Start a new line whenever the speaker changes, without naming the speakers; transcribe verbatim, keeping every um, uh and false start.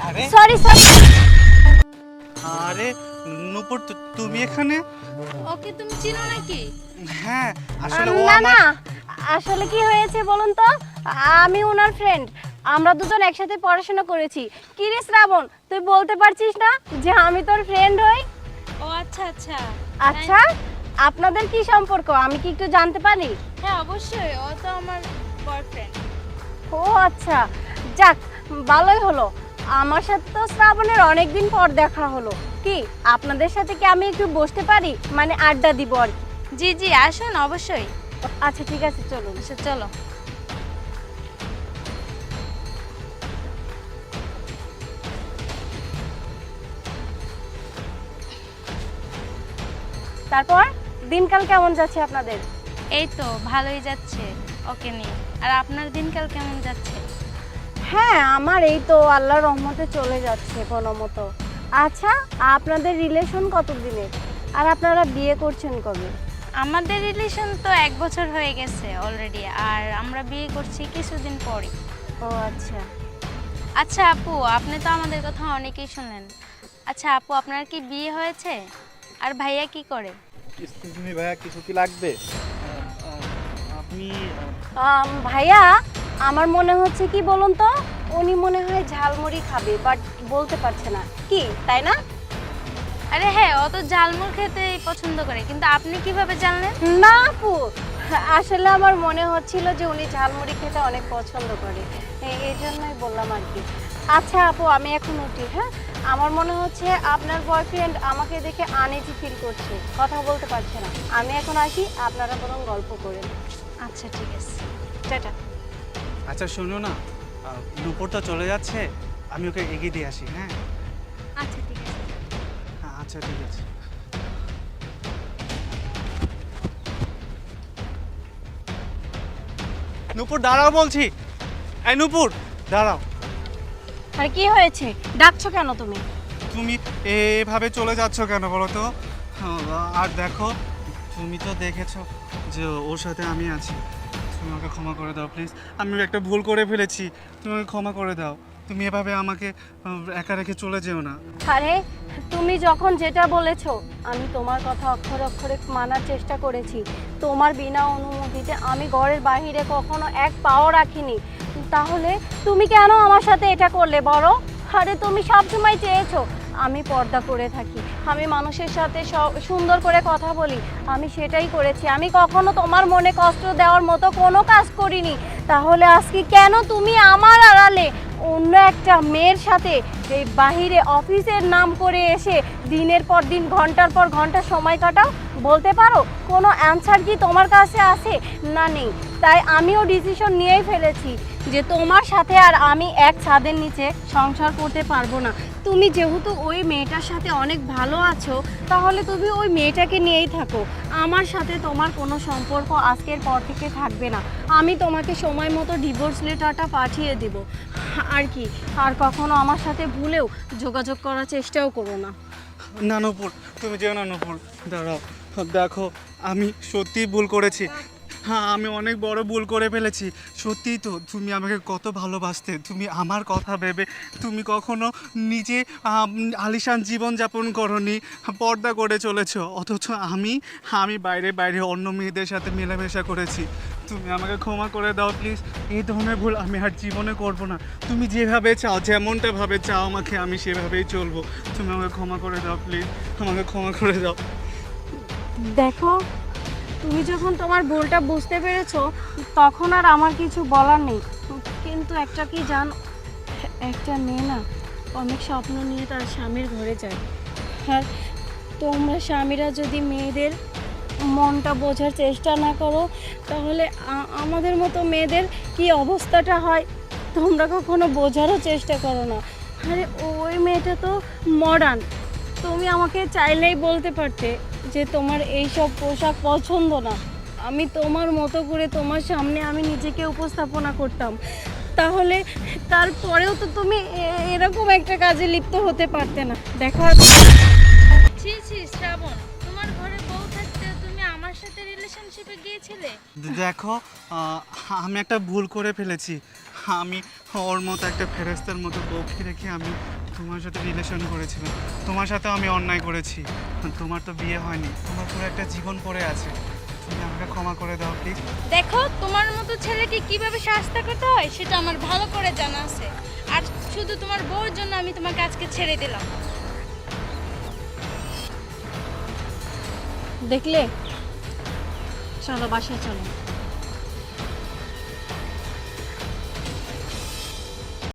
আরে
sorry sorry.
আরে নূপুর, তুমি এখানে?
ওকে তুমি চিনো নাকি?
হ্যাঁ, আসলে ও
না
আমার
না, আসলে কি হয়েছে বলুন তো, আমি ওনার ফ্রেন্ড। আমরা দুজন একসাথে পড়াশোনা করেছি। কি রে শ্রাবণ, তুই বলতে পারছিস না যে আমি তোর ফ্রেন্ড হই?
ও আচ্ছা আচ্ছা।
আচ্ছা, আপনাদের কি সম্পর্ক আমি কি একটু জানতে পারি?
হ্যাঁ অবশ্যই, ও তো আমার বয়ফ্রেন্ড।
ও আচ্ছা, যাক ভালোই হলো। আমার সাথে তো শ্রাবণের অনেকদিন পর দেখা হলো। কি আপনাদের সাথে কি আমি একটু বসতে পারি, মানে আড্ডা দিব আর কি?
জি জি আসুন অবশ্যই।
আচ্ছা ঠিক আছে, চলুন।
আচ্ছা চলো।
তারপর দিনকাল কেমন যাচ্ছে আপনাদের?
এই তো ভালোই যাচ্ছে ওকে নিয়ে। আর আপনার দিনকাল কেমন যাচ্ছে?
হ্যাঁ, আমার এই তো আল্লাহর রহমতে চলে যাচ্ছে কোনো মতো। আচ্ছা, আপনাদের রিলেশন কত দিনের, আর আপনারা বিয়ে করছেন কবে?
আমাদের রিলেশন তো এক বছর হয়ে গেছে অলরেডি, আর আমরা বিয়ে করছি কিছুদিন পরই।
ও আচ্ছা।
আচ্ছা আপু, আপনি তো আমাদের কথা অনেকেই শুনলেন। আচ্ছা আপু, আপনার কি বিয়ে হয়েছে? আর ভাইয়া কি করে?
এক্সকিউজ মি ভাইয়া, কিছু কি লাগবে? আপনি
আম, ভাইয়া, আমার মনে হচ্ছে কি বলুন তো, উনি মনে হয় ঝালমুড়ি খাবে, বাট বলতে পারছে না। কি তাই না?
আরে হ্যাঁ, ও তো ঝালমুড় খেতেই পছন্দ করে, কিন্তু আপনি কিভাবে জানলেন?
না আপু, আসলে আমার মনে হচ্ছিল যে উনি ঝালমুড়ি খেতে অনেক পছন্দ করে, এ- এই জন্যই বললাম আর কি। আচ্ছা আপু, আমি এখন উঠি। হ্যাঁ, আমার মনে হচ্ছে আপনার বয়ফ্রেন্ড আমাকে দেখে আনইজি ফিল করছে, কথা বলতে পারছে না। আমি এখন আসি, আপনারা বরং গল্প করেন।
আচ্ছা ঠিক আছে।
টাটা।
আচ্ছা শোনো না, আহ, নূপুর তো চলে যাচ্ছে, আমি ওকে এগিয়ে দিয়ে আসি। হ্যাঁ
আচ্ছা ঠিক আছে।
হ্যাঁ আচ্ছা ঠিক আছে। নূপুর দাঁড়াও বলছি। এই নূপুর দাঁড়াও।
আর কি হয়েছে, ডাকছো কেন তুমি?
তুমি এভাবে চলে যাচ্ছ কেন বলো তো? আর দেখো, তুমি তো দেখেছো যে ওর সাথে আমি আছি। তুমি আমাকে ক্ষমা করে দাও প্লিজ, আমি একটা ভুল করে ফেলেছি, তুমি আমাকে ক্ষমা করে দাও। তুমি এভাবে আমাকে আহ, একা রেখে চলে যেও না।
আরে তুমি যখন যেটা বলেছো, আমি তোমার কথা অক্ষরে অক্ষরে মানার চেষ্টা করেছি। তোমার বিনা অনুমতিতে আমি ঘরের বাইরে কখনো এক পাও রাখিনি। তাহলে তুমি কেন আমার সাথে এটা করলে বলো? আরে তুমি সবসময় চেয়েছো আমি পর্দা করে থাকি, আমি মানুষের সাথে স- সুন্দর করে কথা বলি। আমি সেটাই করেছি, আমি কখনো তোমার মনে কষ্ট দেওয়ার মতো কোনো কাজ করিনি। তাহলে আজকে কেন তুমি আমার আড়ালে অন্য একটা মেয়ের সাথে এই বাহিরে অফিসের নাম করে এসে দিনের পর দিন ঘন্টার পর ঘন্টা সময় কাটাও? বলতে পারো কোনো অ্যানসার কি তোমার কাছে আছে? না, নেই। তাই আমিও ডিসিশন নিয়েই ফেলেছি যে তোমার সাথে আর আমি এক ছাদের নিচে সংসার করতে পারবো না। তুমি যেহেতু ওই মেয়েটার সাথে অনেক ভালো আছো, তাহলে তুমি ওই মেয়েটাকে নিয়েই থাকো। আমার সাথে তোমার কোনো সম্পর্ক আজকের পর থেকে থাকবে না। আমি তোমাকে সময় মতো ডিভোর্স লেটারটা পাঠিয়ে দেব আর কি। আর কখনো আমার সাথে ভুলেও যোগাযোগ করার চেষ্টাও করো না।
না নূপুর, তুমি যেও না নূপুর, দাঁড়াও। দেখো, আমি সত্যিই ভুল করেছি। হ্যাঁ, আমি অনেক বড় ভুল করে ফেলেছি। সত্যিই তো, তুমি আমাকে কত ভালোবাসতে, তুমি আমার কথা ভেবে তুমি কখনো নিজে আম, আলিশান জীবনযাপন করনি, পর্দা করে চলেছ। অথচ আমি আমি বাইরে বাইরে অন্য মেয়েদের সাথে মেলামেশা করেছি। তুমি আমাকে ক্ষমা করে দাও প্লিজ, এই ধরনের ভুল আমি আর জীবনে করব না। তুমি যেভাবে চাও, যেমনটা ভাবে চাও আমাকে, আমি সেভাবেই চলবো। তুমি আমাকে ক্ষমা করে দাও প্লিজ, আমাকে ক্ষমা করে দাও।
দেখো, তুমি যখন তোমার ভুলটা বুঝতে পেরেছো, তখন আর আমার কিছু বলার নেই। কিন্তু একটা কি জানো, একটা মেয়ে না অনেক স্বপ্ন নিয়ে তার স্বামীর ঘরে যায়। আর তোমরা স্বামীরা যদি মেয়েদের মনটা বোঝার চেষ্টা না করো, তাহলে আ- আমাদের মতো মেয়েদের কি অবস্থাটা হয় তোমরা কখনো বোঝারও চেষ্টা করো না। আরে ওই মেয়েটা তো মডার্ন। তুমি আমাকে চাইলেই বলতে পারতে যে তোমার এই সব পোশাক পছন্দ না। আমি তোমার মতো করে তোমার সামনে আমি নিজেকে উপস্থাপনা করতাম। তাহলে তারপরেও তো তুমি এ- এরকম একটা কাজে লিপ্ত হতে পারতে না। দেখা
ছি ছি শ্রাবণ, তোমার ঘরে বউ থাকতে তুমি আমার সাথে রিলেশনশিপে গিয়েছিলে?
দেখো, আহ, আমি একটা ভুল করে ফেলেছি। আমি ওর মতো একটা ফেরেস্তার মতো বউকে রেখে আমি তোমার সাথে রিলেশন করেছিলাম। তোমার সাথে আমি অন্যায় করেছি। তোমার তো বিয়ে হয়নি, তোমার পুরো একটা জীবন পড়ে আছে। তুমি আমাকে ক্ষমা করে দাও প্লিজ।
দেখো তোমার মতো ছেলেকে কিভাবে শাস্তি করতে হয় সেটা আমার ভালো করে জানা আছে। আর শুধু তোমার বউর জন্য আমি তোমাকে আজকে ছেড়ে দিলাম।
দেখলে, চলো বাসায় চলো।